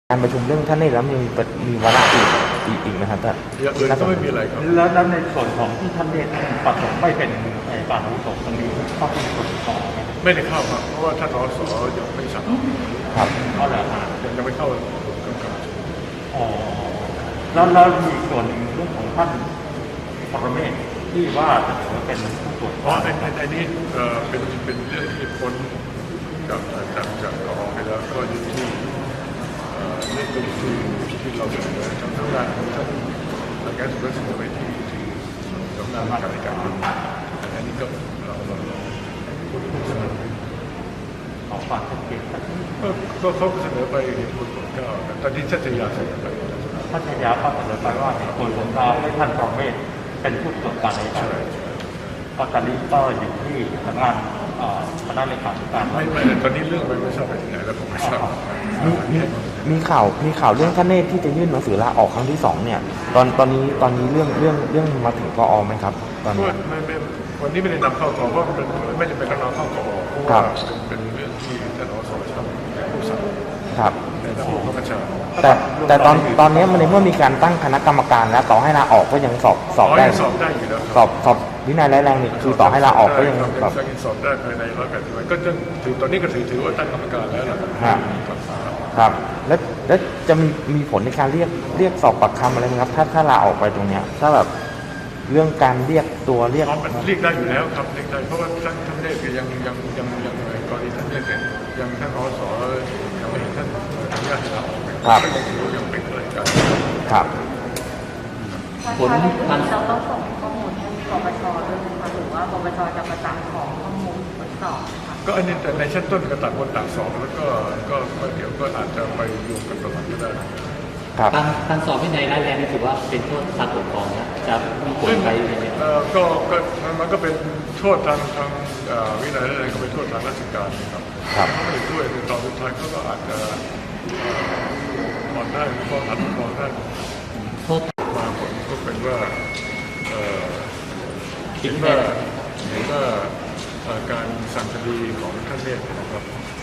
การประชุมเรื่องท่านนี่แล้วมีวาระอีกไหมครับท่านอย่างอื่นก็ไม่มีอะไรครับแล้วในส่วนของที่ท่านเนี่ยประสงค์ไม่เป็นการอาวุโสตรงนี้เข้าเป็นส่วนของไม่ได้เข้าครับเพราะว่าท่านอสยังไม่สั่งครับเอาแหละยังไม่เข้าอ๋อแล้วมีส่วนหนึ่งเรื่องของท่านปรเมศที่ว่าจะถือเป็นผู้ตรวจอันนี้เป็นเรื่องที่พ้นจากกองไปแล้วก็อยู่ที่เรื่องที่เราเสนอทางด้านของท่านแก้สุดเสนอไปที่สำนักงานการจัดการอันนี้ก็เราเสนอขอความชัดเจนก็เขาเสนอไปเหตุผลของเก้าตอนนี้ชัชยาเสนอไปชัชยาก็เสนอไปว่าเหตุผลของเราให้ท่านปรเมศเป็นผู้ตรวจการในการก็ตอนนี้ก็อยู่ที่สำนักงานคณะเลขาธิการไม่ตอนนี้เรื่องไม่ทราบไปถึงไหนแล้วผมไม่ทราบมีข่าวเรื่องท่านเนตรที่จะยื่นหนังสือลาออกครั้งที่2เนี่ยตอนนี้เรื่องมาถึงกอไหมครับตอนนี้วันนี้ไม่ได้นำเข้ากอเพราะมันไม่จำเป็นต้องนำเข้ากอเพราะว่าเป็นเรื่องที่ท่านอสทำผู้สั่งครับในระบบประชาแต่ตอนนี้มันในเมื่อมีการตั้งคณะกรรมการแล้วต่อให้ลาออกก็ยังสอบได้อยู่แล้วสอบวินัยร้ายแรงนี่คือต่อให้ลาออกก็ยังสอบได้ภายใน180 วันก็จะถือตอนนี้ก็ถือว่าตั้งกรรมการแล้วครับแล้วจะมีผลในการเรียกสอบปากคำอะไรไหมครับถ้าลาออกไปตรงเนี้ยถ้าแบบเรื่องการเรียกมันเรียกได้อยู่แล้วครับเรียกได้เพราะว่าท่านเรียกยังกรณีท่านเรียกเนี่ยยังท่านอสยังไม่เห็นท่านอนุญาตให้ลาออกครับยังเป็นอะไรกันครับผลเราต้องส่งข้อมูลให้ปปชด้วยนะคะหรือว่าปปชจะประสานของข้อมูลทดสอบนะคะก็อันนี้แต่ในชั้นต้นก็ต่างคนต่างสอบแล้วก็เดี๋ยวก็อาจจะไปรวมกันประมาณก็ได้การสอบวินัยร้ายแรงนี่ถือว่าเป็นโทษทางปกครองนะจะมีผลไปยังไงก็มันก็เป็นโทษทางวินัยร้ายแรงก็เป็นโทษทางราชการครับไม่ได้ด้วยในตอนสุดท้ายเขาก็อาจจะผ่อนได้ก็อาจจะผ่อนได้มาผลก็เป็นว่าเห็นว่าการสั่งคดีของท่านเนี่ยนะครับ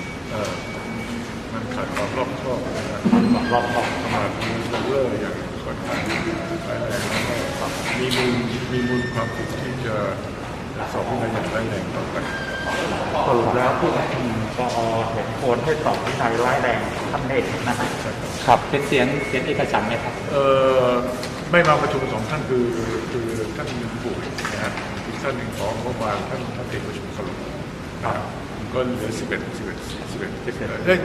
มันขาดความรอบคอบนะครับประมาทมีละเลิกอย่างค่อนข้างร้ายแรงแล้วก็มีมูลความผิดที่จะสอบวินัยอย่างร้ายแรงต่อไปสรุปแล้วผู้ประชุมกอเห็นควรให้สอบวินัยร้ายแรงท่านเนตรนะครับเป็นเสียงเอกฉันท์ไหมครับไม่มาประชุม2 ท่านคือท่านปู่นะฮะอีกท่านหนึ่งของเมื่อวานท่านเอกประชุมสรุปก็เหลือ11ได้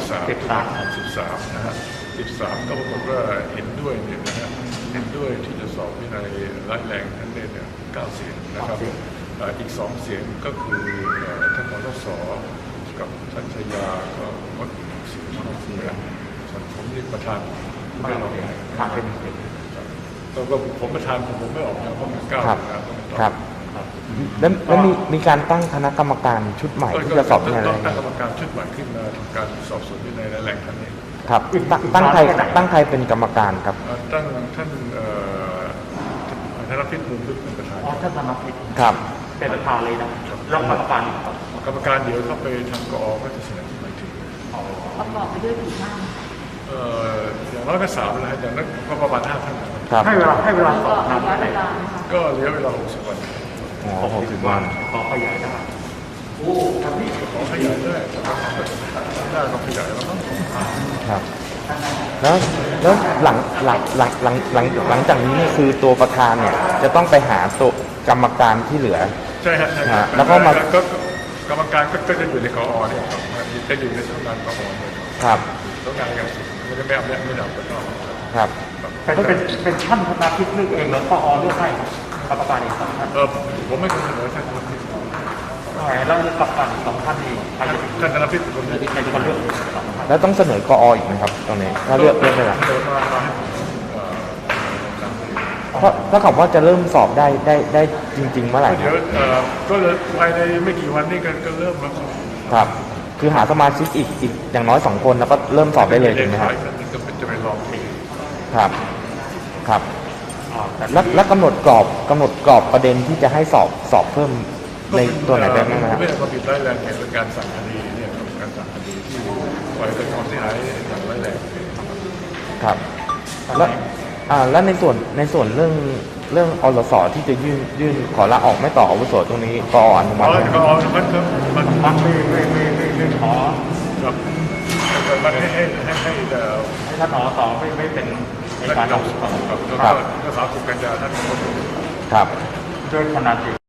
13นะฮะ13ก็ปรากฏว่าเห็นด้วยเนี่ยนะฮะเห็นด้วยที่จะสอบวินัยร้ายแรงท่านเนี่ย9 เสียงนะครับอีก2 เสียงก็คือท่านอสกับท่านชยาก็งด1 เสียงส่วนผมนี่ประธานไม่ออกก็ผมประธานผมไม่ออกนะเพราะมันครับแล้วมีการตั้งคณะกรรมการชุดใหม่ที่จะสอบวินัยร้ายแรงตั้งกรรมการชุดใหม่ขึ้นมาทำการสอบสวนวินัยร้ายแรงท่านนี้ครับตั้งใครเป็นกรรมการครับตั้งท่านธนพิษมุมลึกเป็นประธานท่านธนพิษครับเป็นประธานเลยนะแล้วกรรมการเดี๋ยวเข้าไปทางกอก็จะเสนอหมายถึงประกอบไปด้วยกี่ท่านอย่างน้อยก็3แล้วอย่างนั้นก็ประมาณ5 ท่านให้เวลา2 ท่านก็เหลือเวลา60 วัน 60 วันขอขยายได้ขอขยายได้ก็ขยายแล้วครับแล้วหลังจากนี้เนี่ยคือตัวประธานเนี่ยจะต้องไปหาตัวกรรมการที่เหลือใช่ฮะแล้วก็มากรรมการก็จะอยู่ในกอเนี่ยจะอยู่ในสำนักงานกอเนี่ยครับสำนักงานการศึกษาไม่ได้ไม่ดับก็ต้องครับแต่ก็เป็นท่านธนพิษเลือกเองหรือกอเลือกให้กรรมการอีก2 ท่านผมไม่เคยเสนอท่านธนพิษแล้วกรรมการอีก2 ท่านนี่ท่านธนพิษผมใครจะมาเลือกแล้วต้องเสนอกออีกไหมครับตรงนี้ถ้าเลือกได้ไหมถ้าเขาว่าจะเริ่มสอบได้จริงๆเมื่อไหร่เดี๋ยวก็เลยภายในไม่กี่วันนี้ก็เริ่มแล้วครับคือหาสมาชิกอีกอย่างน้อย2 คนแล้วก็เริ่มสอบได้เลยถูกไหมครับจะไปลองครับแล้วกำหนดกรอบประเด็นที่จะให้สอบเพิ่มในตัวไหนได้ไหมครับไม่ได้ความผิดร้ายแรงเป็นการสั่งคดีเนี่ยเป็นการสั่งคดีที่ปล่อยเป็นความเสียหายอย่างร้ายแรงครับแล้วแล้วในส่วนเรื่องอลสที่จะยื่นขอลาออกไม่ต่ออาวุโสตรงนี้กอนุมัติไหมมันไม่ขอครับมันให้ให้ท่านอสไม่เป็นในท่านการเราทำก็30 กันยาท่านครับด้วยขนาด